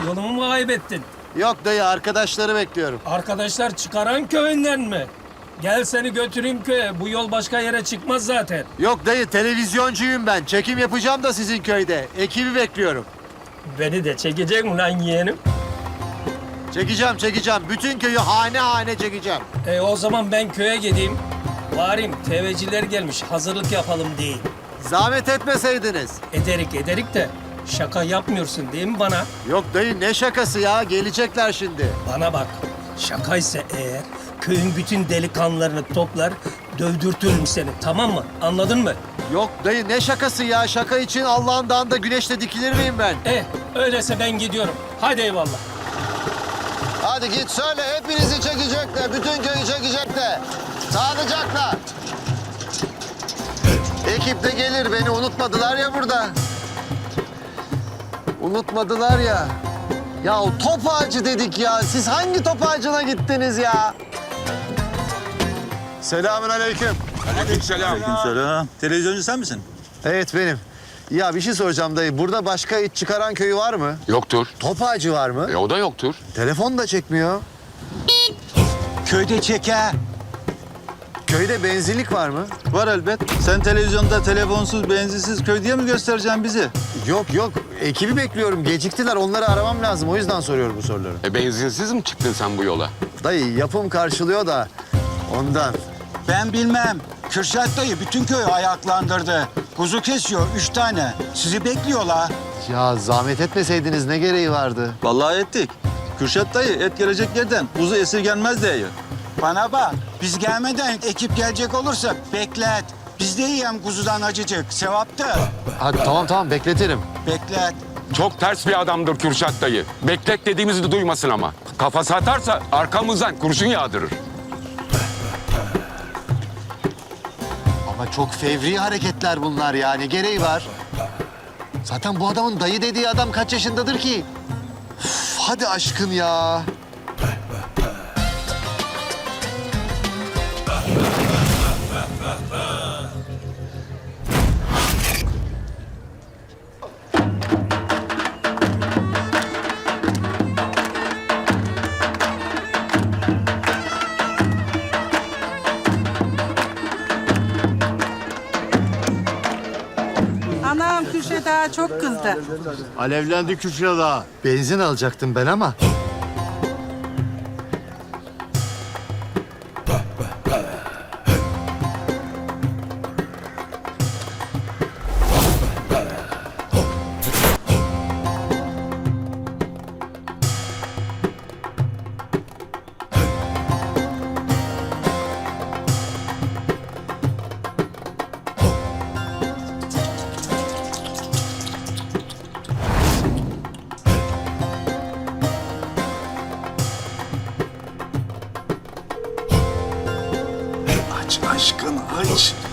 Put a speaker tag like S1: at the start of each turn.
S1: Yolunu mu kaybettin?
S2: Yok dayı, arkadaşları bekliyorum.
S1: Arkadaşlar Çıkaran köyünden mi? Gel seni götüreyim köye. Bu yol başka yere çıkmaz zaten.
S2: Yok dayı, televizyoncuyum ben. Çekim yapacağım da sizin köyde. Ekibi bekliyorum.
S1: Beni de çekecek mi lan yeğenim?
S2: Çekeceğim. Bütün köyü hane hane çekeceğim.
S1: O zaman ben köye gideyim. Varim TV'ciler gelmiş. Hazırlık yapalım diyeyim.
S2: Zahmet etmeseydiniz.
S1: Ederik de şaka yapmıyorsun değil mi bana?
S2: Yok dayı, ne şakası ya? Gelecekler şimdi.
S1: Bana bak. Şakaysa eğer köyün bütün delikanlılarını toplar, dövdürtürüm seni. Tamam mı? Anladın mı?
S2: Yok dayı, ne şakası ya? Şaka için Allah'ın dağında güneşte dikilir miyim ben?
S1: Öyleyse ben gidiyorum. Hadi eyvallah.
S2: Hadi git söyle, hepinizi çekecekler. Bütün köyü çekecekler. Sağlıcakla. Ekip de gelir, beni unutmadılar ya burada. Unutmadılar ya. Ya o top ağacı dedik ya. Siz hangi top ağacına gittiniz ya? Selamünaleyküm.
S3: Aleykümselam. Televizyoncu sen misin?
S2: Evet benim. Ya bir şey soracağım dayı. Burada başka it çıkaran köyü var mı?
S4: Yoktur.
S2: Top ağacı var mı?
S4: O da yoktur.
S2: Telefon da çekmiyor.
S3: Köyde çeke.
S2: Köyde benzinlik var mı?
S3: Var elbet. Sen televizyonda telefonsuz, benzinsiz köy diye mi göstereceksin bizi?
S2: Yok. Ekibi bekliyorum. Geciktiler. Onları aramam lazım. O yüzden soruyorum bu soruları.
S4: Benzinsiz mi çıktın sen bu yola?
S2: Dayı yapım karşılıyor da ondan.
S5: Ben bilmem. Kürşat dayı bütün köyü ayaklandırdı. Kuzu kesiyor 3 tane. Sizi bekliyorlar.
S2: Ya zahmet etmeseydiniz ne gereği vardı?
S3: Vallahi ettik. Kürşat dayı et gelecek yerden kuzu esirgenmez diye.
S5: Bana bak. Biz gelmeden ekip gelecek olursa beklet. Biz de yiyelim kuzudan acıcık. Sevaptır.
S2: Hadi tamam bekletirim.
S5: Beklet.
S4: Çok ters bir adamdır Kürşat dayı. Beklet dediğimizi de duymasın ama. Kafası atarsa arkamızdan kurşun yağdırır.
S2: Ama çok fevri hareketler bunlar ya. Ne gereği var? Zaten bu adamın dayı dediği adam kaç yaşındadır ki? Üf, hadi aşkın ya.
S6: Anam Kürşat ağa çok kızdı.
S2: Alevlendi Kürşat ağa. Benzin alacaktım ben ama. Aç aşkın aç.